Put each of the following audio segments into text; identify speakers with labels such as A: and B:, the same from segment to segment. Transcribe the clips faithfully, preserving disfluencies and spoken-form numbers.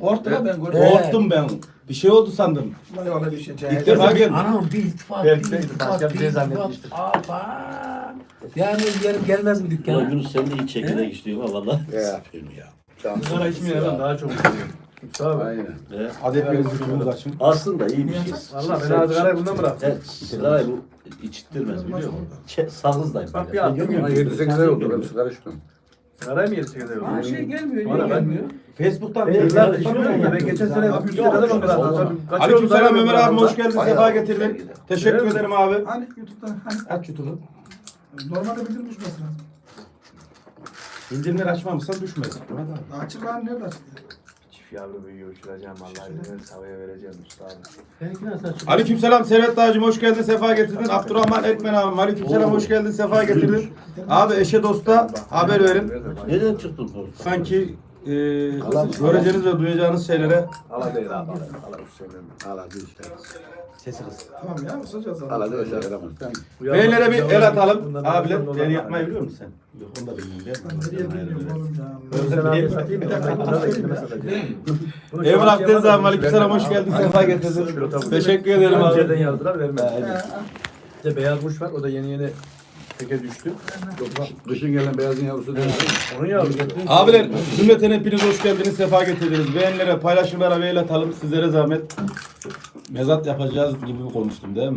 A: Korktu lan ben gördüm.
B: Korktum ben. Bir şey oldu sandım.
A: Vallahi vallahi bir şey.
B: İlk defa geldim.
C: Anam bir iltifat, bir
D: Belki de
C: iltifat,
D: başka bir
C: bir
D: şey
C: iltifat.
D: zannetmiştir.
C: Aba. Yani yarın gelmez mi
E: Ulan
C: dükkana?
E: Yunus sen de iyi çekirdek istiyorsun ha valla.
F: Ya. ya.
D: Sigara içmeyen adam daha çok istiyor. Tabii.
F: Aynen.
E: He.
B: Adet bir zıkkımız açın.
E: Aslında iyi bir şey.
D: Valla ben az sigarayı bundan bıraktım.
E: Evet, sigarayı bu içittirmez biliyor musun? Çe- Sağızdayım.
D: Bak
E: ben.
D: bir attım ya.
F: yedi sekiz ay oldu ben sigara içmiyorum.
D: Sigarayı mı yedi sekiz ay oldu?
A: Ha şey gelmiyor.
D: Bana
A: Niye
D: ben-
A: gelmiyor?
B: Facebook'tan
D: Ben yıllar içmiyorum ya. Ben geçen sene yüz lira adam bıraktım.
B: Aleykümselam Ömer abi, hoş geldin, sefa getirdin. Teşekkür
D: Evet.
B: ederim abi.
A: Hani YouTube'dan hani
B: Aç YouTube'u.
A: normalde bildirim düşmesi lazım.
B: Bildirimleri açmamışsan düşmez.
A: Daha açık lan nerede açık?
D: Çift yavru büyüyor uçuracağım vallahi. Ben havaya vereceğim usta abi.
C: Benimki nasıl açık?
B: Aleykümselam Servet Dağcım, hoş geldin, sefa getirdin. Abdurrahman Ekmen abim, aleykümselam, hoş geldin, sefa getirdin. Abi eşe dosta haber verin.
E: Nereden çıktın orada?
B: Sanki e, göreceğiniz ve duyacağınız şeylere
D: Allah değil abi. Allah Hüseyin'im.
F: Hala bir şey.
B: sesi kız.
A: Tamam ya ısıracağız abi.
F: Hala da şey yaramaz.
B: Beylere bir el atalım. Abiler, el yapmayı biliyor musun sen? Yok, onu da bilmiyorum.
A: Nereye bilmiyorum oğlum ya.
D: Sen abi satayım bir dakika. Bunlar da kendime satacağım.
B: Emrah Deniz abi, aleykümselam, hoş geldin, sefa getirdin. Teşekkür ederim
D: Önceden
B: abi.
D: yazdılar vermez. Bir de beyaz kuş var o da yeni yeni teke düştü.
F: Kışın gelen beyazın yavrusu değil.
D: Onun yavrusu.
B: Abiler, cümleten hepiniz hoş geldiniz, sefa getirdiniz. Beğenilere, paylaşımlara ve el atalım. Sizlere zahmet. Mezat yapacağız gibi konuştum değil mi?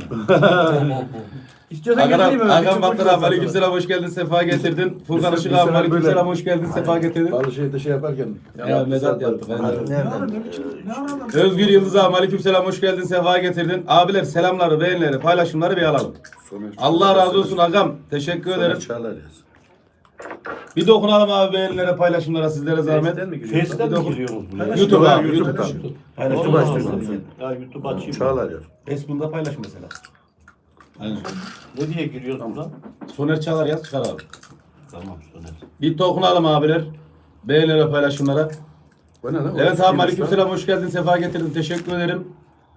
D: İstiyorsan
B: Agam,
D: getireyim mi?
B: Agam Baktır abi, aleykümselam, hoş geldin, sefa getirdin. Furkan Işık abi, aleykümselam, hoş geldin, sefa getirdin.
F: Balı şeyde şey yaparken.
B: Ya mezat yaptık.
A: Ne
B: aynen.
A: ara ne biçim? Ne ara adam?
B: Özgür Yıldız abi, aleykümselam, hoş geldin, sefa getirdin. Abiler, selamları, beğenileri, paylaşımları bir alalım. Allah razı olsun agam. Teşekkür ederim.
F: Çağlar yaz.
B: Bir dokunalım abi beğenilere, paylaşımlara, sizlere zahmet.
D: Face'ten mi giriyor?
E: Face'den mi giriyorsunuz buraya?
B: YouTube abi,
F: YouTube.
B: YouTube'dan.
E: Aynen,
F: YouTube
E: YouTube
F: açtım
E: açtım. Ya YouTube açayım.
F: Çağlar yaz.
B: Facebook'ta paylaş mesela. Aynen.
E: Ne diye giriyorsun lan?
B: Soner Çağlar yaz çıkar abi.
E: Tamam Soner.
B: Bir dokunalım abiler. Beğenilere, paylaşımlara.
F: Bu ne lan?
B: Evet abi, aleykümselam, hoş geldin, sefa getirdin. Teşekkür ederim.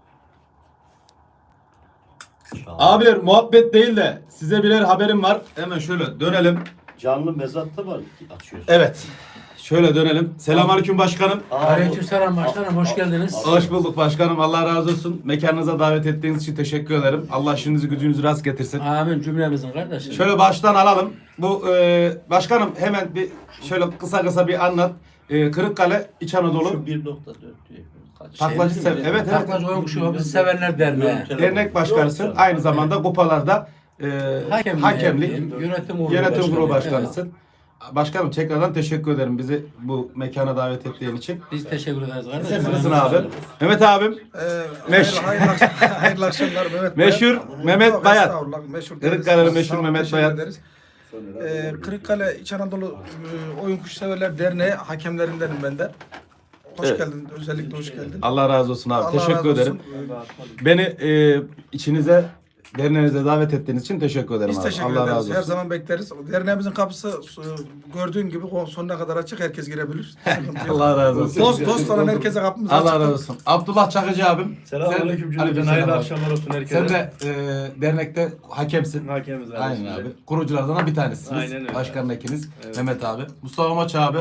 B: Abiler, muhabbet değil de size birer haberim var. Hemen şöyle dönelim.
E: Canlı mezatta mı açıyorsun?
B: Evet. Şöyle dönelim. Selamünaleyküm başkanım.
C: Aleykümselam başkanım, hoş geldiniz.
B: Hoş bulduk başkanım. Allah razı olsun. Mekanınıza davet ettiğiniz için teşekkür ederim. Allah işinizi gücünüzü rast getirsin.
C: Amin cümlemizin kardeşim.
B: Şöyle baştan alalım. Bu e, başkanım hemen bir şöyle kısa kısa bir anlat. E, Kırıkkale İç Anadolu
E: Şu bir nokta dört diye. Kaç?
B: Taklacı
E: Şey,
B: sev-
E: şey,
B: evet, evet.
C: Taklacı oyun kuşu bizi sevenler derneği.
B: Dernek Başkanısın. Aynı zamanda kupalarda e,
C: Hakemlik,
B: hakemlik,
C: yönetim kurulu
B: yönetim kurulu
C: başkanı.
B: başkanısın. Başkanım tekrardan teşekkür ederim bizi bu mekana davet ettiğin için.
C: Biz teşekkür ederiz kardeşim.
B: Sen nasılsın abi? Mehmet abim.
A: Ee,
B: Meş-
A: hayırlı, hayırlı, akşam- hayırlı akşamlar Mehmet Bayat.
B: Meşhur Mehmet
A: Yok,
B: Bayat.
A: estağfurullah, meşhur
B: Kırıkkale'nin
A: deriz.
B: meşhur
A: Sağ olun,
B: Mehmet
A: teşekkür
B: Bayat.
A: ederiz. Ee, Kırıkkale İç Anadolu e, Oyun Kuşseverler Derneği hakemlerindenim ben de. Hoş
B: Evet.
A: geldin. Özellikle hoş geldin.
B: Allah razı olsun abi.
A: Allah
B: teşekkür
A: razı olsun.
B: ederim. Beni e, içinize, derneğinize davet ettiğiniz için teşekkür ederim
A: Biz
B: abi.
A: teşekkür
B: Allah
A: ederiz.
B: razı
A: Her
B: olsun.
A: zaman bekleriz. Derneğimizin kapısı e, gördüğün gibi sonuna kadar açık. Herkes girebilir. Sıkıntı yok.
B: Allah razı olsun.
A: Dost dost olan herkese kapımız açık.
B: Allah razı olsun. Abdullah Çakıcı abim.
D: Selamünaleyküm
B: Sen-
D: cümleten. Hayırlı
B: Aleykümselam.
D: akşamlar olsun herkese.
B: Sen de e, dernekte hakemsin.
D: Hakemiz abi.
B: Aynen abi. Kuruculardan bir tanesiniz.
D: Aynen öyle.
B: Başkanın ikiniz. Mehmet abi. Mustafa Maç abi.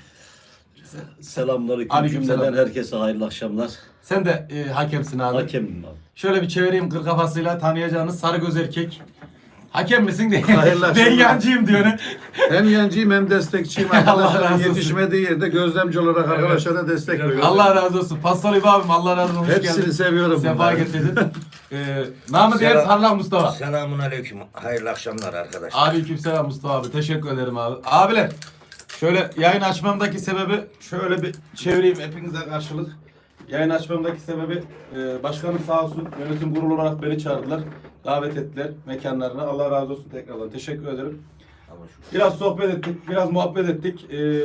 E: Selamünaleyküm
B: Aleykümselam.
E: cümleden herkese hayırlı akşamlar.
B: Sen de e, hakemsin abi.
E: Hakemim abi.
B: Şöyle bir çevireyim kır kafasıyla tanıyacağınız sarı göz erkek. Hakem misin diye.
F: Hayırlı
B: Ben
F: akşamlar.
B: yancıyım diyor.
F: Hem yancıyım hem destekçiyim.
B: Allah razı
F: Arkadaşlarım
B: olsun.
F: yetişmediği yerde gözlemci olarak arkadaşlara destek veriyorum.
B: Allah razı olsun. Pastor İbo abim Allah razı olsun. Hoş
F: Hepsini
B: geldin.
F: seviyorum.
B: Sefa
F: bunları.
B: getirdin. ee, namı diğer
G: Selam.
B: Parlak Mustafa.
G: Selamun aleyküm. Hayırlı akşamlar arkadaşlar.
B: Aleykümselam Mustafa abi. Teşekkür ederim abi. Abiler şöyle yayın açmamdaki sebebi şöyle bir çevireyim hepinize karşılık. Yayın açmamdaki sebebi e, başkanım sağ olsun yönetim kurulu olarak beni çağırdılar. Davet ettiler mekanlarına. Allah razı olsun tekrardan. Teşekkür ederim. Biraz sohbet ettik, biraz muhabbet ettik. Ee,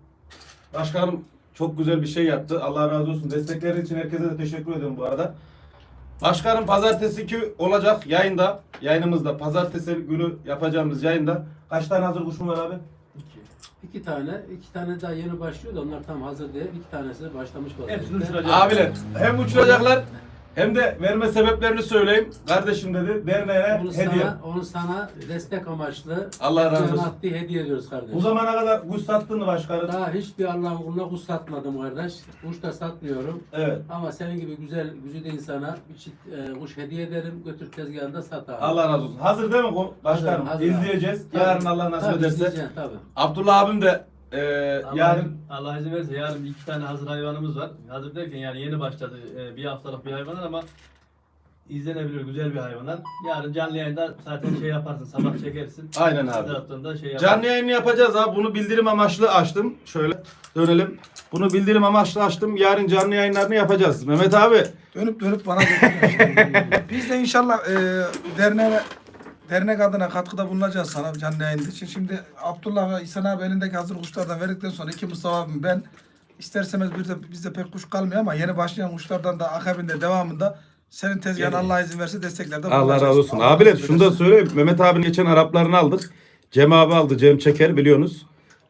B: başkanım çok güzel bir şey yaptı. Allah razı olsun. Destekleri için herkese de teşekkür ederim bu arada. Başkanım pazartesi ki olacak yayında, yayınımızda pazartesi günü yapacağımız yayında kaç tane hazır kuşum var abi?
C: İki tane, iki tane daha yeni başlıyor da onlar tam hazır değil. İki tanesi de başlamış vaziyette.
D: Hepsini uçuracağız.
B: Abiler hem uçuracaklar Hem de verme sebeplerini söyleyeyim. Kardeşim dedi derneğe
C: Onu
B: hediye.
C: sana, onu sana destek amaçlı
B: Allah razı olsun.
C: maddi hediye ediyoruz kardeşim.
B: Bu zamana kadar kuş sattın mı başkanım?
C: Daha hiçbir Allah'ın kuluna kuş satmadım kardeş. Kuş da satmıyorum.
B: Evet.
C: Ama senin gibi güzel, güzide insana bir çift e, kuş hediye ederim. Götür tezgahında sat abi.
B: Allah razı olsun. Hazır değil mi bu başkanım?
C: Hazır, hazır
B: İzleyeceğiz.
C: Tabii.
B: Yarın Allah nasip
C: Tabii,
B: ederse.
C: izleyeceksin, tabii.
B: Abdullah abim de e,
D: Allah,
B: yarın
D: Allah izin verirse yarın bir iki tane hazır hayvanımız var. Hazır derken yani yeni başladı e, bir haftalık bir hayvanlar ama izlenebilir güzel bir hayvanlar. Yarın canlı yayında zaten şey yaparsın sabah çekersin.
B: Aynen
D: Bir
B: abi.
D: taraftan da şey yaparsın.
B: Canlı yayını yapacağız abi. Bunu bildirim amaçlı açtım. Şöyle dönelim. Bunu bildirim amaçlı açtım. Yarın canlı yayınlarını yapacağız. Mehmet abi.
A: Dönüp dönüp bana getiriyor. Biz de inşallah e, derneğe dernek adına katkıda bulunacağız sana canlı yayında için. Şimdi Abdullah ve İhsan abi elindeki hazır kuşlardan verdikten sonra iki Mustafa abim ben isterseniz bir de bizde pek kuş kalmıyor ama yeni başlayan kuşlardan da akabinde devamında senin tezgahın Allah izin verse desteklerde
B: Allah
A: bulunacağız.
B: razı olsun.
A: Allah
B: Abiler
A: nasip
B: şunu da
A: ederse.
B: söyleyeyim. Mehmet abinin geçen Araplarını aldık. Cem abi aldı. Cem Çeker biliyorsunuz.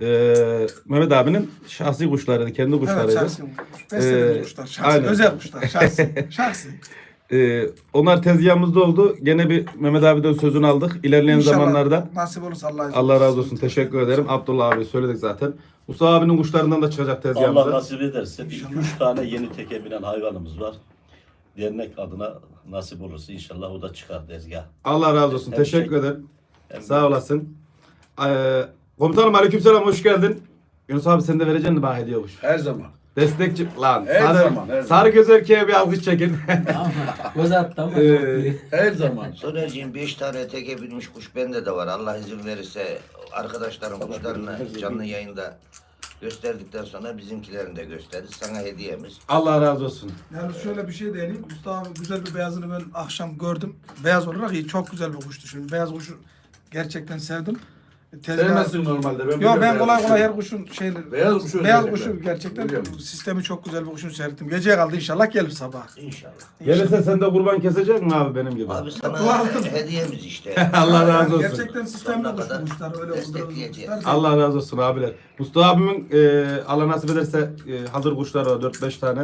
B: Ee, Mehmet abinin şahsi kuşlarıydı. Kendi
A: Evet
B: kuşlarıydı.
A: şahsi kuş. Beslediğimiz
B: Ee,
A: kuşlar. Şahsi,
B: aynen.
A: özel kuşlar. Şahsi. şahsi.
B: Ee, onlar tezgahımızda oldu. Gene bir Mehmet abiden sözünü aldık. İlerleyen
A: İnşallah
B: zamanlarda
A: nasip olursa Allah izin
B: Allah
A: verirse.
B: razı olsun. Teşekkür ederim. Abdullah abi söyledik zaten. Mustafa abinin kuşlarından da çıkacak tezgahımıza.
E: Allah nasip ederse bir iki üç tane yeni teke binen hayvanımız var. Dernek adına nasip olursa inşallah o da çıkar tezgah.
B: Allah razı olsun.
E: Hem
B: Teşekkür
E: şey-
B: ederim.
E: hem
B: Sağ olasın. Ee, komutanım aleykümselam hoş geldin. Yunus abi sen de vereceksin mi bana hediye kuş?
F: Her zaman.
B: Destekçi lan.
F: Her
B: sarı,
F: zaman, her zaman.
B: sarı göz erkeğe bir alkış çekin.
C: Ama göz attı ama.
B: Ee,
F: Her zaman.
G: Sonerciğim beş tane teke binmiş kuş bende de var. Allah izin verirse arkadaşlarım kuşlarını canlı yayında gösterdikten sonra bizimkilerini de gösteririz. Sana hediyemiz.
B: Allah razı olsun.
A: Yani şöyle bir şey değineyim. Mustafa abi güzel bir beyazını ben akşam gördüm. Beyaz olarak iyi. Çok güzel bir kuştu şimdi. Beyaz kuşu gerçekten sevdim. Tezgah-
F: Sevmezsin normalde. Ben
A: Yok
F: biliyorum
A: ben
F: beyaz
A: kolay
F: kuşu.
A: kolay her kuşun şeyleri.
F: Beyaz kuşu
A: Beyaz
F: özellikle.
A: kuşu gerçekten
F: Biliyorum.
A: sistemi çok güzel bir kuşun seyrettim. Geceye kaldı inşallah gelir sabah.
G: İnşallah.
B: Gelirse sen de kurban kesecek mi abi benim gibi?
G: Abi sana hediyemiz işte.
B: Allah razı
A: Yani
B: olsun.
A: gerçekten sistemli
G: Sonuna
A: kuş
G: kadar
A: kuşlar öyle
G: destekleyeceğiz.
A: kuşlar.
B: Allah razı olsun abiler. Mustafa abimin e, Allah nasip ederse e, hazır kuşları var dört beş tane.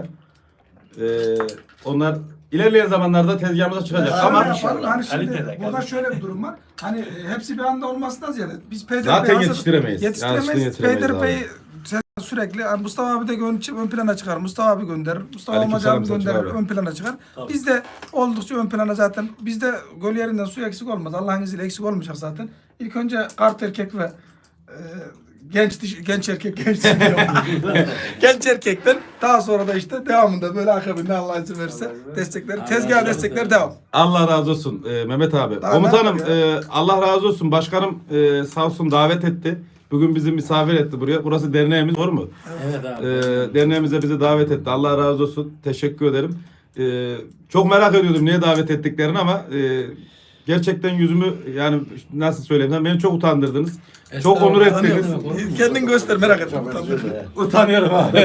B: E, onlar ilerleyen zamanlarda tezgahımıza çıkacak.
A: Şöyle
B: Ama
A: yapalım, hani şimdi
D: Kalitede,
A: burada
D: kalitede.
A: şöyle bir durum var. Hani e, hepsi bir anda olmasından ziyade biz P D R'yi
B: Zaten
A: hazır-
B: yetiştiremeyiz.
A: Yetiştiremeyiz.
B: Gerçekten yetiştiremeyiz
A: P D R'yi
B: abi.
A: sürekli hani Mustafa abi de ön, ön plana çıkar. Mustafa abi gönderir. Mustafa
B: Aleykümselam
A: Amacı abi
B: Selçuk
A: gönderir.
B: abi.
A: Ön plana çıkar.
D: Tabii.
A: Bizde oldukça ön plana zaten. Bizde göl yerinden su eksik olmaz. Allah'ın izniyle eksik olmayacak zaten. İlk önce kart erkek ve e, genç dişi, genç erkek genç dişi diyorum. genç erkekten daha sonra da işte devamında böyle akabinde Allah izin verirse destekleri, tezgah destekleri devam.
B: Allah razı olsun e, Mehmet abi.
A: Daha
B: Komutanım
A: ne yapıyor
B: e, Allah razı olsun. Başkanım e, sağ olsun davet etti. Bugün bizi misafir etti buraya. Burası derneğimiz doğru mu?
C: Evet abi.
B: E, derneğimize bizi davet etti. Allah razı olsun. Teşekkür ederim. E, çok merak ediyordum niye davet ettiklerini ama e, gerçekten yüzümü yani nasıl söyleyeyim beni çok utandırdınız. Çok onur ettiniz.
A: Kendin göster merak etme.
B: Utanıyorum abi.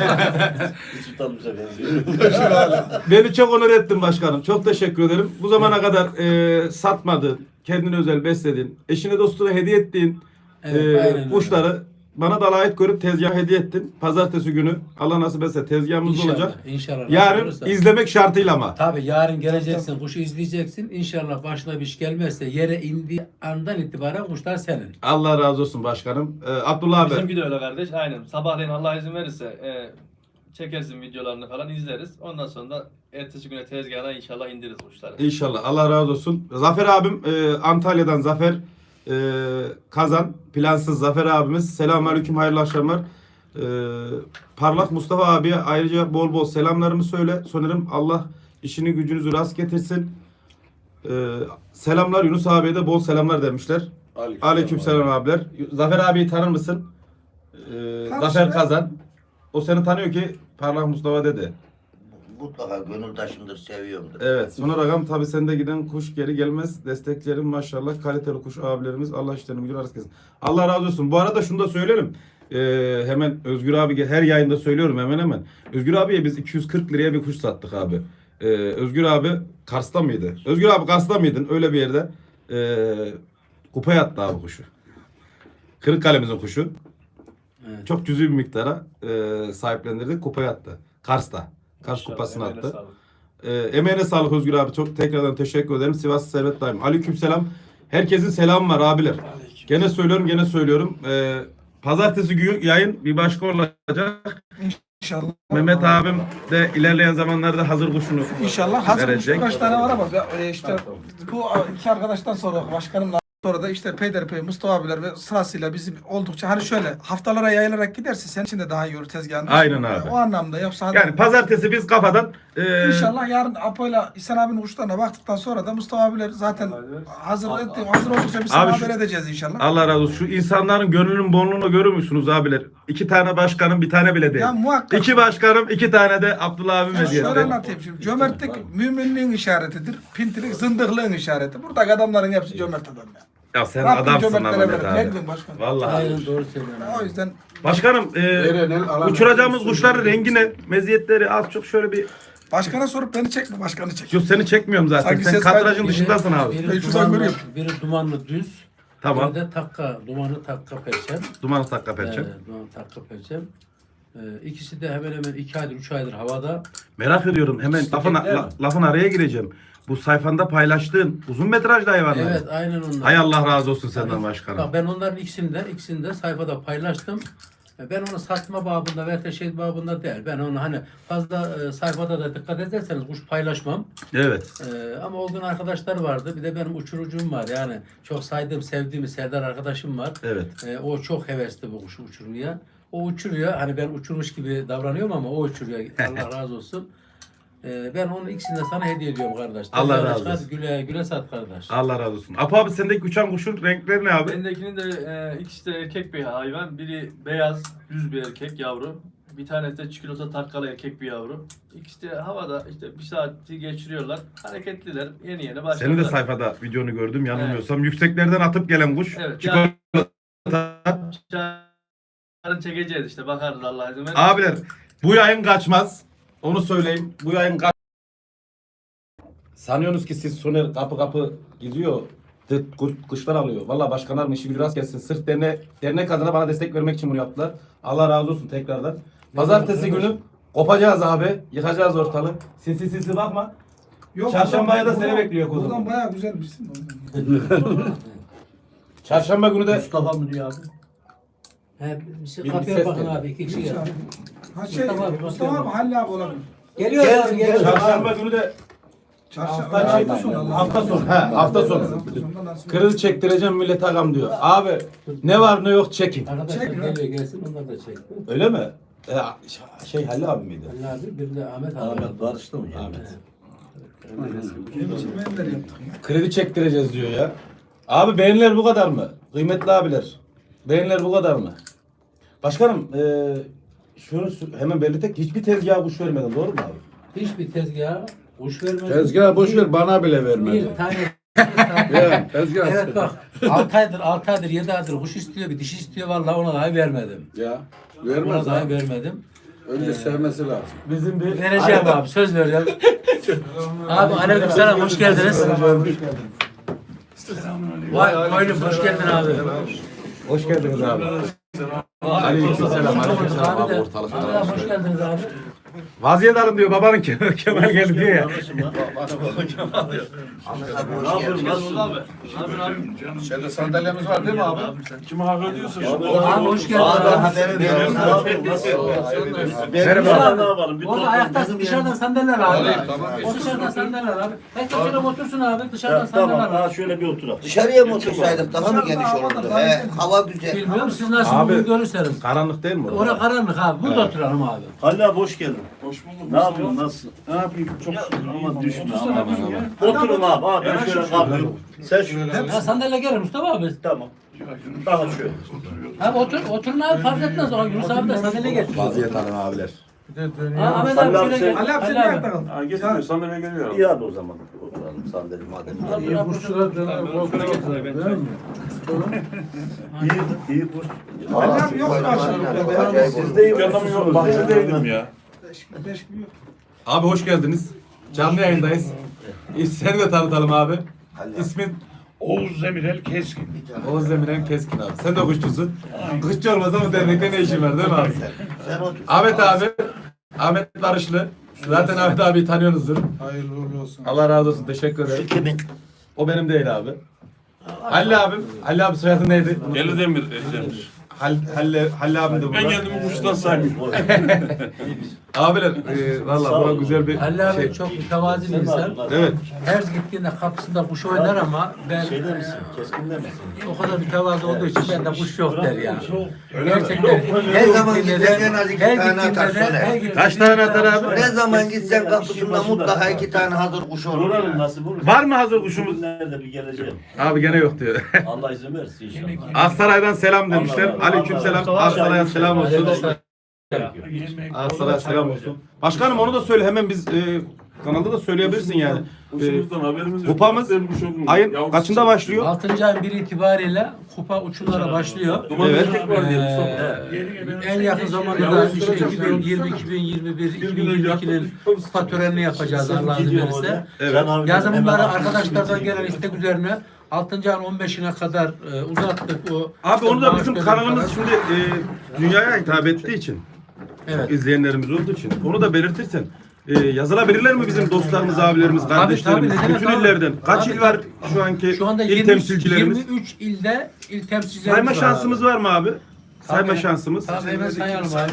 E: Hiç utanmışa benziyor.
B: Beni çok onur ettin başkanım. Çok teşekkür ederim. Bu zamana kadar e, satmadın, kendine özel besledin, eşine dostuna hediye ettiğin
C: Evet,
B: e,
C: aynen öyle.
B: kuşları bana da layık görüp tezgah hediye ettin. Pazartesi günü Allah nasip etse tezgahımız
C: İnşallah,
B: olacak.
C: İnşallah.
B: Yarın
C: Olursa.
B: izlemek şartıyla ama.
C: Tabii yarın geleceksin, kuşu izleyeceksin. İnşallah başına bir iş gelmezse yere indiği andan itibaren kuşlar senin.
B: Allah razı olsun başkanım. E, Abdullah abi.
D: Bizimki de öyle kardeş. Aynen. Sabahleyin Allah izin verirse e, çekersin videolarını falan izleriz. Ondan sonra da ertesi güne tezgahına inşallah indiririz kuşları.
B: İnşallah. Allah razı olsun. Zafer abim e, Antalya'dan Zafer e, Kazan. Plansız Zafer abimiz. Selamünaleyküm. Hayırlı akşamlar. E, Parlak Mustafa abiye ayrıca bol bol selamlarımı söyle. Sanırım Allah işini gücünüzü rast getirsin. E, selamlar Yunus abiye de bol selamlar demişler. Aleyküm selam abiler. Zafer abiyi tanır mısın? E, Zafer Kazan. O seni tanıyor ki Parlak Mustafa dedi.
G: Mutlaka gönüldaşımdır, seviyorumdur.
B: Evet. Sonra rakam tabii sende giden kuş geri gelmez. Desteklerim maşallah. Kaliteli kuş abilerimiz. Allah işlerini gücü arası kesin. Allah razı olsun. Bu arada şunu da söyleyelim. Ee, hemen Özgür abi her yayında söylüyorum hemen hemen. Özgür abiye biz iki yüz kırk liraya bir kuş sattık abi. Ee, Özgür abi Kars'ta mıydı? Özgür abi Kars'ta mıydın? Öyle bir yerde. Ee, kupaya attı abi kuşu. Kırıkkale'mizin kuşu.
C: Evet.
B: Çok cüzi bir miktara e, sahiplendirdik. Kupaya attı. Kars'ta. Kars kupasını
D: Emeğine
B: attı.
D: sağlık.
B: Ee, emeğine sağlık Özgür abi. Çok tekrardan teşekkür ederim. Sivas Servet Daim. Aleykümselam. Herkesin selamı var abiler. Gene söylüyorum, gene söylüyorum. Ee, pazartesi günü yayın bir başka olacak.
A: İnşallah.
B: Mehmet abim de ilerleyen zamanlarda hazır kuşunu
A: İnşallah hazır
B: verecek.
A: kaç tane var ama e, işte bu iki arkadaştan sonra başkanımla sonra da işte Peyderpey, Mustafa abiler ve sırasıyla bizim oldukça hani şöyle haftalara yayılarak giderse senin için de daha iyi olur tezgahın.
B: Aynen abi.
A: O anlamda yoksa hadi-
B: Yani pazartesi biz kafadan e,
A: İnşallah yarın Apo'yla İhsan abinin uçlarına baktıktan sonra da Mustafa abiler zaten hazır etti, hazır oldukça biz sana
B: Abi şu-
A: haber edeceğiz inşallah.
B: Allah razı olsun. Şu insanların gönlünün bolluğunu görür müsünüz abiler? İki tane başkanım bir tane bile değil.
A: Ya muhakkak.
B: İki başkanım iki tane de Abdullah abim
A: Ya
B: hediye
A: şöyle
B: etti.
A: anlatayım şimdi. Cömertlik müminliğin işaretidir. Pintilik zındıklığın işareti. Buradaki adamların hepsi cömert adam ya.
B: Ya sen
A: Rabbim
B: adamsın
A: cömertlere
B: Ahmet
A: verir. Ne
B: abi.
A: bileyim başkanım.
B: Vallahi.
C: Aynen doğru söylüyorsun.
A: O yüzden
B: Başkanım e,
F: Erenel, Alan-
B: uçuracağımız kuşların rengi ne? Meziyetleri az çok şöyle bir...
A: başkana sorup beni çekme, başkanı çek.
B: Yok seni çekmiyorum zaten.
A: Sanki
B: Sen
A: ses
B: kadrajın
A: kaydı-
B: dışındasın abi.
C: Biri
A: Ben şuradan
C: dumanlı,
A: görüyorum.
C: biri dumanlı düz.
B: Tamam.
C: Biri de takka, dumanlı takka perçem.
B: Dumanı takla perçem.
C: Ee, dumanlı takka perçem. Ee, ikisi de hemen hemen iki aydır, üç aydır havada.
B: Merak ediyorum. Hemen lafın, la- lafın araya gireceğim. Bu sayfanda paylaştığın uzun metrajlı hayvanlar.
C: Evet, aynen onlar.
B: Hay Allah razı olsun senden başkanım.
C: Bak ben onların ikisini de, ikisini de sayfada paylaştım. Ben onu satma babında veya şey babında değil. Ben onu hani fazla e, sayfada da dikkat ederseniz kuş paylaşmam.
B: Evet.
C: E, ama o gün arkadaşlar vardı. Bir de benim uçurucum var. Yani çok saydığım, sevdiğim Serdar arkadaşım var.
B: Evet.
C: E, o çok hevesli bu kuşu uçurmaya. O uçuruyor. Hani ben uçurmuş gibi davranıyorum ama o uçuruyor. Allah razı olsun. E, ben onun ikisini de sana hediye ediyorum kardeş.
B: Allah
C: Hadi
B: razı
C: çıkar,
B: olsun.
C: Güle güle sat kardeş.
B: Allah razı olsun. Apo abi sendeki uçan kuşun renkleri ne abi?
D: Bendekinin de e, ikisi de erkek bir hayvan. Biri beyaz, düz bir erkek yavru. Bir tanesi de çikolata takkalı erkek bir yavru. İkisi de havada işte bir saati geçiriyorlar. Hareketliler. Yeni yeni başladılar.
B: Senin de sayfada videonu gördüm yanılmıyorsam. Yükseklerden atıp gelen kuş.
D: Evet,
B: Çikolata.
D: Yarın çekeceğiz işte bakarız Allah izin verir.
B: Abiler bu yayın kaçmaz. Onu söyleyeyim. Bu yayın kaç... Sanıyorsunuz ki siz Soner kapı kapı gidiyor. tıt, kuş- Kuşlar alıyor. Valla başkanlarım işi gücü rast gelsin. Sırf derne, dernek adına bana destek vermek için bunu yaptılar. Allah razı olsun tekrardan. Pazartesi günü kopacağız abi. Yıkacağız ortalığı. Sinsi sinsi bakma.
A: Yok,
B: Çarşambaya da
A: buradan-
B: seni bekliyor kuzum.
A: Buradan bayağı güzelmişsin.
B: Çarşamba günü de
E: Mustafa mı diyor abi?
C: He, bir şey
B: Bir- bir
C: kapıya
B: ses
C: bakın
B: geliyor.
C: abi. İki kişi geldi.
A: Ha şey,
C: Mustafa abi,
A: Mustafa abi Halil abi olabilir.
C: Geliyor
E: Gel,
C: abi,
E: gel.
C: geliyor.
B: Çarşamba günü de
A: Çarşamba
B: hafta,
A: hafta sonu.
B: hafta sonu. He, hafta sonu.
A: Hafta sonunda nasıl-
B: Kredi çektireceğim millet agam diyor. Abi ne var ne yok çekin.
C: Arkadaşlar
A: Çek lan.
C: geliyor gelsin onlar da çek.
B: Öyle mi? E, şey Halil abi miydi?
C: Ali abi bir de Ahmet abi.
E: Ahmet barıştı mı?
B: Ahmet.
A: Ne biçim menler yaptık ya.
B: Kredi çektireceğiz diyor ya. Abi beğeniler bu kadar mı? Kıymetli abiler. Beğeniler bu kadar mı? Başkanım e, şunu sü- hemen belirtek hiçbir tezgaha kuş vermedin doğru mu abi?
C: Hiçbir tezgaha kuş vermedi.
F: Tezgah boş ver, bana bile
C: Bir
F: vermedi.
C: tane.
F: Ya, tezgah.
C: Evet bak altı aydır altı aydır yedi aydır kuş istiyor bir dişi istiyor vallahi ona dahi vermedim.
F: Ya,
C: Ona
F: vermez
C: dahi
F: abi.
C: vermedim.
F: Önce sevmesi lazım.
B: Bizim bir
C: Vereceğim abi söz vereceğim. Abi aleykümselam hoş geldiniz. Vay koynum hoş geldin abi.
B: hoş geldiniz abi. Aleykümselam. Aleykümselam
C: Abi
B: abi
C: de.
B: ortalık.
C: Abi hoş geldiniz abi.
B: Vaziyet alın diyor babanın Kemal, Kemal geldi diyor ya.
E: Ne yapıyorsun? Nasılsın abi?
F: Şeyde sandalyemiz var değil mi abi?
C: Abi hoş geldin
E: Abi
C: abi.
E: haberi veriyorum. Ne yapıyorsun? Nasıl?
B: Merhaba.
E: Ne yapalım? Bir
C: Orada
E: tost-
C: ayaktasın dışarıdan sandalyeler abi.
F: Tamam.
C: O dışarıdan sandalyeler abi. Herkes şöyle otursun abi dışarıdan
E: Ya, Tamam.
C: sandalyeler
E: Ha
C: abi.
E: şöyle bir oturalım.
G: Dışarıya mı otursaydık daha mı
A: Dışarıda
G: geniş
A: havada
G: olurdu?
A: daha
G: He,
A: geniş.
G: hava güzel.
C: Bilmiyorum siz nasıl
B: Abi.
C: bunu görürseniz.
B: Karanlık değil mi orada?
C: Orada karanlık abi. Burada oturalım abi.
E: Halil abi hoş geldin. Hoş bulduk. Ne yapıyorsun? Nasılsın? Ne yapayım? Çok şükür ama düşme. Aman aman. Oturun abi. Abi ben şöyle kalkıyorum. Sen şöyle.
C: Ya sandalye gelir Mustafa abi.
E: Tamam. Daha şöyle.
C: Abi otur, oturun abi fark etmez. O Yunus abi de sandalye getir.
B: Vaziyet alın abiler.
C: Ha, Ahmet
E: Halil
C: abi
E: abi
C: şöyle
E: sen-
C: gel.
A: Ali abi sen
C: Ali
A: ne
C: abi.
A: ayakta kaldın?
H: Ha getiriyor sandalye geliyor.
E: İyi hadi o zaman. Oturalım sandalye madem.
C: Abi, abi,
E: İyi, iyi kurs.
A: Ali abi yok mu aşağıda?
G: Acayip
E: Siz de iyi
H: Yanım yok,
E: kursunuz.
H: bahçedeydim ya.
A: Beş- beş gün yok.
B: Abi hoş geldiniz. Canlı yayındayız. E, Seni de tanıtalım abi. İsmin
H: Oğuz Demirel Keskin.
B: Oğuz Demirel Keskin abi. Sen de kuşçusun. Kuşçu olmasa bu dernekte ne işin var değil mi abi?
G: Sen otur.
B: Ahmet abi Ahmet Barışlı. Zaten Ahmet abi tanıyorsunuzdur.
A: Hayırlı uğurlu olsun.
B: Allah razı olsun. Teşekkür ederim. O benim değil abi. Halil abim. Halil abi soyadı neydi?
H: Deli demir, deli demir.
B: Hal, Halle, Halle abim de
H: Ben
B: burada.
H: kendimi kuştan saymıyorum.
B: Abiler e, valla bu güzel bir
C: Halil abi
B: şey.
C: çok mütevazi bir insan.
B: Evet.
C: Her gittiğinde kapısında kuş oynar ama ben
E: Şeyde
C: e,
E: misin? Keskin'de misin?
C: o kadar mütevazı olduğu için bende kuş yok der ya. Gerçekten
G: Ne zaman
C: gittiğinde
G: gitsen
C: de-
G: en az iki
C: her
G: tane
C: gittiğinde
G: atar
C: de-
G: Soner.
C: her gittiğinde
B: Kaç tane
C: de-
B: atar abi?
G: Ne zaman gitsen kapısında mutlaka iki tane hazır kuş olur.
E: Uğrarım nasip olur.
B: Var mı hazır kuşumuz?
E: Nerede bir geleceğim.
B: Abi gene yok diyor.
E: Allah izin verirse inşallah.
B: Aksaray'dan selam demişler. Aleyküm selam. Aksaray'a selam olsun.
C: Aleykümselam.
B: Aksaray'a selam olsun. Başkanım onu da söyle hemen biz e, kanalda da söyleyebilirsin yani. E,
H: Kuşumuzdan haberimiz yok.
B: kupamız
H: Benim kuş olduğunu-
B: ayın
H: Yavrusu
B: kaçında
H: çıktı.
B: başlıyor?
C: altıncı ayın biri itibariyle kupa uçumlara başlıyor.
H: Dumanlı
B: Evet.
H: erkek var diye
C: Ee, en yakın zamanda da işte iki bin yirmi, iki bin yirmi bir, iki bin yirmi ikinin kupa törenini yapacağız Allah izin verirse.
B: Evet.
C: Yazın bunları arkadaşlardan gelen istek üzerine altıncı ayın on beşine kadar e, uzattık. O
B: Abi onu da
C: maaş
B: bizim
C: dönemi
B: kanalımız
C: falan.
B: şimdi e, dünyaya hitap ettiği için,
C: Evet.
B: izleyenlerimiz olduğu için onu da belirtirsen. E, yazılabilirler mi bizim dostlarımız, abilerimiz, kardeşlerimiz,
C: tabii, ne demek
B: bütün
C: abi?
B: illerden? Kaç
C: Tabii,
B: il var
C: tabii.
B: şu anki
C: Şu anda
B: il
C: yirmi,
B: temsilcilerimiz?
C: yirmi üç ilde il temsilcilerimiz
B: Sayma
C: var
B: şansımız
C: abi.
B: var mı abi? Sayma
C: Tabii.
B: şansımız.
C: Tabii hemen sayalım abi.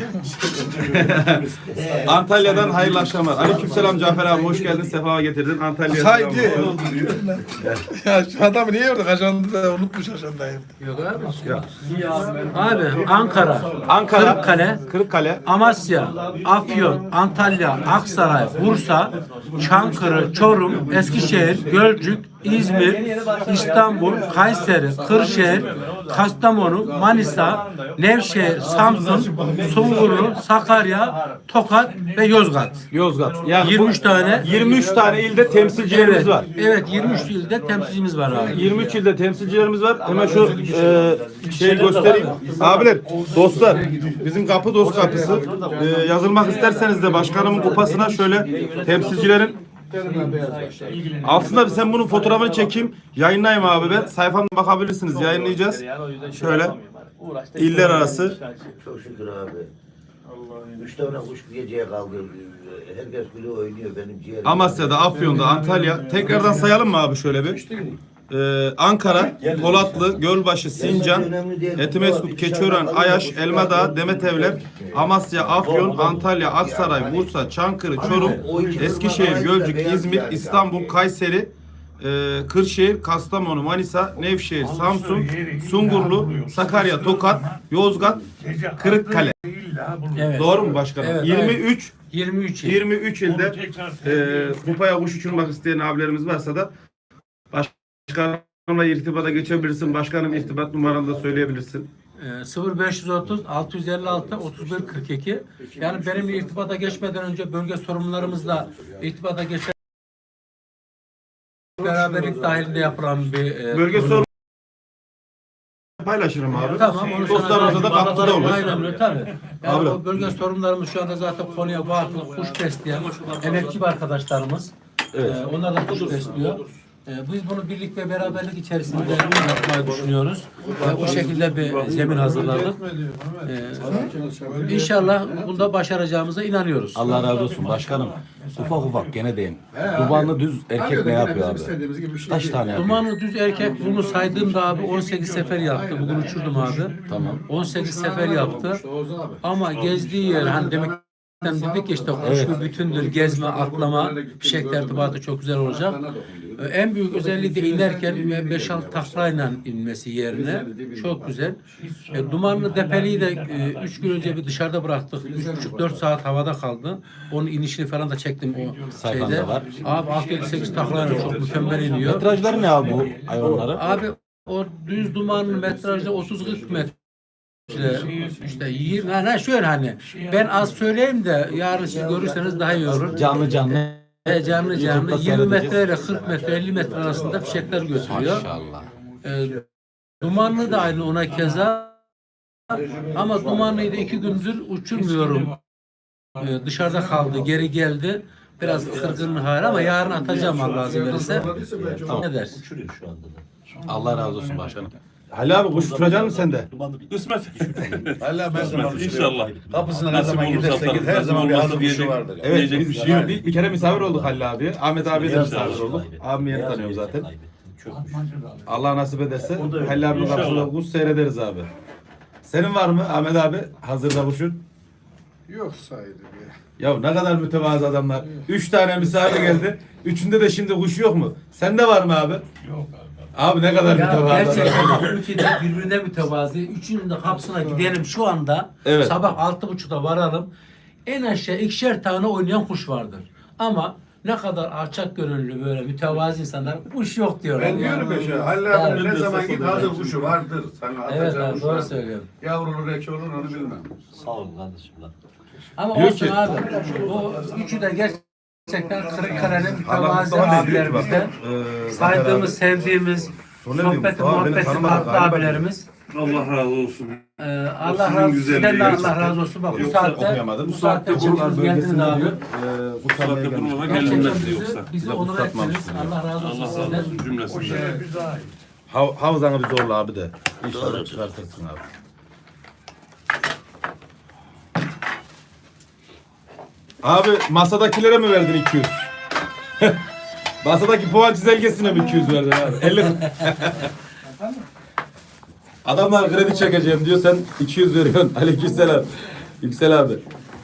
B: Antalya'dan hayırlı akşamlar. Aleykümselam Cafer abi, hoş geldin, sefa getirdin. Antalya'ya selam
A: Haydi.
B: olsun.
A: Ya şu adamı niye yorduk? Ajandı da unutmuş ajandayı.
C: Yok abi.
B: Ya.
C: Abi Ankara,
B: Ankara,
C: Kırıkkale,
B: Kırıkkale,
C: Amasya, Afyon, Antalya, Aksaray, Bursa, Çankırı, Çorum, Eskişehir, Gölcük, İzmir, İstanbul, Kayseri, Kırşehir, Kastamonu, Manisa, Nevşehir, Samsun, Sungurlu, Sakarya, Tokat ve Yozgat.
B: Yozgat. Yani
C: yirmi üç tane
B: yirmi üç tane ilde temsilcilerimiz
C: evet,
B: var.
C: Evet, yirmi üç ilde temsilcimiz var abi.
B: yirmi üç ilde temsilcilerimiz var. Hemen şu e, şeyi göstereyim. Abiler, dostlar, bizim kapı dost kapısı. E, yazılmak isterseniz de başkanımın kupasına şöyle temsilcilerin altında sen bunun fotoğrafını çekeyim. Yayınlayayım abi ben. Sayfamda bakabilirsiniz. Yayınlayacağız. Şöyle. İller arası.
G: Çok şükür abi. Üç tane kuş geceye kaldı. Herkes bile oynuyor benim ciğerim.
B: Amasya'da, Afyon'da, Antalya. Tekrardan sayalım mı abi şöyle bir? Ee, Ankara, Polatlı, Gölbaşı, Sincan, Etimeskut, Keçiören, Ayaş, Elmadağ, Demetevler, Amasya, Afyon, Antalya, Aksaray, Bursa, Çankırı, Çorum, Eskişehir, Gölcük, İzmir, İstanbul, Kayseri, e, Kırşehir, Kastamonu, Manisa, Nevşehir, Samsun, Sungurlu, Sakarya, Tokat, Yozgat, Kırıkkale.
C: Evet.
B: Doğru mu başkanım?
C: Evet,
B: yirmi üç
C: yirmi üç il.
B: yirmi üç ilde e, kupaya kuş uçurmak isteyen abilerimiz varsa da başkanımla irtibata geçebilirsin. Başkanım irtibat numaranı da söyleyebilirsin.
C: Ee, sıfır beş otuz altı yüz elli altı otuz bir kırk iki. Yani benim irtibata geçmeden önce bölge sorumlularımızla irtibata geçer beraberlik dahilinde yapılan bir e,
B: Bölge
C: proje.
B: sorunu paylaşırım abi.
C: Tamam, onu sana-
B: Dostlarımıza da katkıda olur.
C: Aynen öyle tabii. Yani
B: Abi.
C: o bölge sorumlularımız şu anda zaten konuya vakıf, kuş besleyen emekçi bir arkadaşlarımız.
B: Evet.
C: Ee, onlar da kuş besliyor. Ee, biz bunu birlik ve beraberlik içerisinde yapmayı düşünüyoruz. Ve o şekilde bir zemin hazırladık. Ee, İnşallah bunda başaracağımıza inanıyoruz.
I: Allah razı olsun başkanım. Ufak ufak gene deyin. Dumanlı düz erkek ne yapıyor abi? Kaç tane yapıyor?
C: Dumanlı düz erkek bunu saydığımda abi on sekiz sefer yaptı. Bugün uçurdum abi.
I: Tamam.
C: on sekiz sefer yaptı. Ama gezdiği yer hani demek dedik ki işte kuş bir bütündür. Gezme, atlama, fişek tertibatı çok güzel olacak. Ee, En büyük özelliği de inerken beş altı taklayla inmesi yerine çok güzel. E, dumanlı depeliği de üç gün önce bir dışarıda bıraktık. üç buçuk dört saat havada kaldı. Onun inişini falan da çektim o
I: Sayfanda
C: şeyde.
I: var.
C: Abi altı yedi sekiz taklayla çok mükemmel iniyor.
I: Metrajları ne abi bu hayvanları?
C: Abi o düz dumanın metrajda otuz kırk metre. İşte yirmi, ha şöyle hani ben az söyleyeyim de yarın siz görürseniz daha iyi olur.
I: Canlı canlı.
C: E, canlı canlı
I: YouTube'da
C: yirmi metre
I: seyredeceğiz.
C: ile kırk metre elli metre arasında fişekler götürüyor.
I: Maşallah.
C: E, dumanlı da aynı ona keza. Ama dumanlıyı da iki gündür uçurmuyorum. E, dışarıda kaldı, geri geldi. Biraz kırgın hali ama yarın atacağım Allah izin verirse. Ne der?
E: Uçuruyor şu anda da.
I: Allah razı olsun başkanım.
B: Halil abi kuş uçuracaksın mı sen de?
H: Kısmet.
F: Hala ben zaman
H: İnşallah.
F: Kapısına ne
H: Nasip
F: zaman
H: olursa
F: giderse git her
H: atarız,
F: zaman bir
H: olmazsa
F: hazır
H: diyecek-
F: kuşu vardır.
B: Evet
H: Diyecek
B: biz
H: bir şey
B: bir,
H: yok.
B: bir, bir kere misafir olduk Halil abi. Ahmet abiye de misafir olduk. Abimi yeni
E: Beyaz
B: tanıyorum
E: bir
B: zaten.
E: kaybettim, çökmüş.
B: Allah nasip ederse
E: O da öyle.
B: Halil abinin
H: İnşallah.
B: kapısında kuş seyrederiz abi. Senin var mı Ahmet abi hazırda kuşun?
F: Yok saydı bir.
B: Ya ne kadar mütevazı adamlar. Üç tane misafir geldi. Üçünde de şimdi kuş yok mu? Sende var mı abi? Yok abi. Abi ne kadar
C: Ya
B: mütevazı
C: gerçekten
B: adamlar.
C: bak, üçü de birbirine mütevazi. Üçünün de kapısına gidelim şu anda.
B: Evet.
C: Sabah altı buçukta varalım. En aşağı ikişer tane oynayan kuş vardır. Ama ne kadar alçak gönüllü böyle mütevazi insanlar kuş yok diyorlar.
F: Ben
C: yani.
F: diyorum ya şey, Halil
C: Yani-
F: abi ne zaman git hazır kuşu vardır. Sana
C: Evet
F: atacağın
C: abi
F: kuş
C: doğru
F: vardır.
C: söylüyorum.
F: Yavrulu reki olur onu bilmem.
E: Sağ olun kardeşim lan.
C: Ama
B: Diyor
C: olsun
B: ki-
C: abi. Bu üçü de gerçekten Kırıkkale'nin
B: Allah
C: mütevazi
B: Mustafa ne diyor ki bak,
C: abilerimizden.
B: eee,
C: Saydığımız, sevdiğimiz,
B: Sonra diyor,
C: sohbeti,
B: Mustafa beni
C: muhabbeti
B: tanımadı
C: farklı
B: galiba
C: abilerimiz.
H: Allah razı olsun.
C: Ee, Allah
H: sizin
C: razı olsun.
H: güzelliği
C: Sizden de Allah
H: gerçekten.
C: razı olsun. Bak bu
B: Yoksa
C: saatte,
B: okuyamadım.
C: bu
B: Bu
C: saatte
B: saatte Burlar
C: çıktınız geldiniz
B: bölgesinde
C: abi.
B: diyor. Eee bu
H: Saatte
B: saatte gelmiş.
H: durmadan
C: Gerçekten
H: gelinmez
C: bizi,
H: yoksa.
C: bizi
B: Bize
C: onur
B: fırsat
C: ettiniz.
B: vermişsiniz.
C: Allah razı olsun
H: Allah razı
C: sizden.
H: olsun cümlesinden.
B: Hav havzanı bir zorla abi de. İnşallah çıkartırsın abi. Abi masadakilere mi verdin iki yüz? Masadaki puan çizelgesine mi iki yüz verdin abi? elli. Adamlar kredi çekeceğim diyor sen iki yüz veriyorsun. Aleykümselam. Yüksel abi.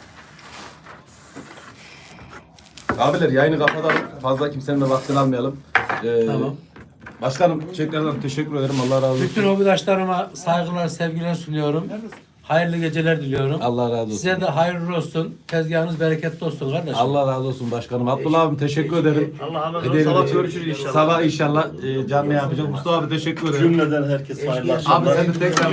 B: Abiler yayını kapatalım. Fazla kimsenin de vaktini almayalım. Ee,
C: Tamam.
B: Başkanım tekrardan teşekkür ederim. Allah razı olsun.
C: Bütün hobidaşlarıma saygılar, sevgiler sunuyorum. Hayırlı geceler diliyorum.
B: Allah razı olsun.
C: Size de hayırlı olsun. Tezgahınız bereketli olsun kardeşim.
B: Allah razı olsun başkanım. Abdullah abim teşekkür ederim.
D: Allah razı olsun.
B: Hediyeler
D: Sabah
B: için.
D: görüşürüz inşallah.
B: Sabah inşallah e, canlı yapacağız. Mustafa abi teşekkür ederim.
E: Cümleden herkes hayırlı
B: Abi
E: akşamlar.
B: sen de tekrar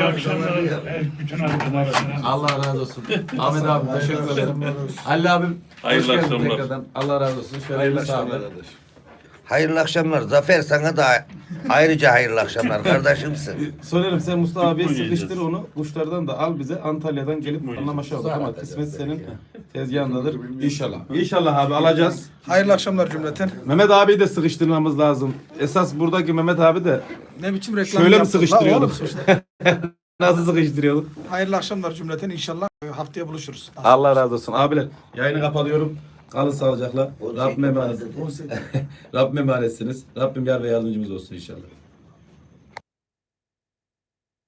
B: Allah razı olsun. Ahmet abi teşekkür ederim. Ali abim
H: Hayırlı
B: hoş geldin
H: akşamlar.
B: tekrardan. Allah razı olsun. Şöyle bir sağ
G: Hayırlı akşamlar. Zafer sana da ayrıca hayırlı akşamlar kardeşimsin.
B: Söylerim sen Mustafa abiye
H: Bitcoin
B: sıkıştır
H: yiyeceğiz.
B: onu. Kuşlardan da al bize Antalya'dan gelip anlaşa aldık ama kısmet senin tezgahındadır. İnşallah. İnşallah abi alacağız.
A: Hayırlı akşamlar cümleten.
B: Mehmet abiyi de sıkıştırmamız lazım. Esas buradaki Mehmet abi de
A: Ne biçim reklam
B: şöyle mi
A: yaptın? La
B: sıkıştırıyorduk?
A: oğlum,
B: Nasıl sıkıştırıyorduk?
A: hayırlı akşamlar cümleten. İnşallah haftaya buluşuruz.
B: Allah razı olsun. Abiler yayını kapatıyorum. Kalın sağlıcakla. Rabbim emanet. Rabbim emanetsiniz. Rabbim yar ve yardımcımız olsun inşallah.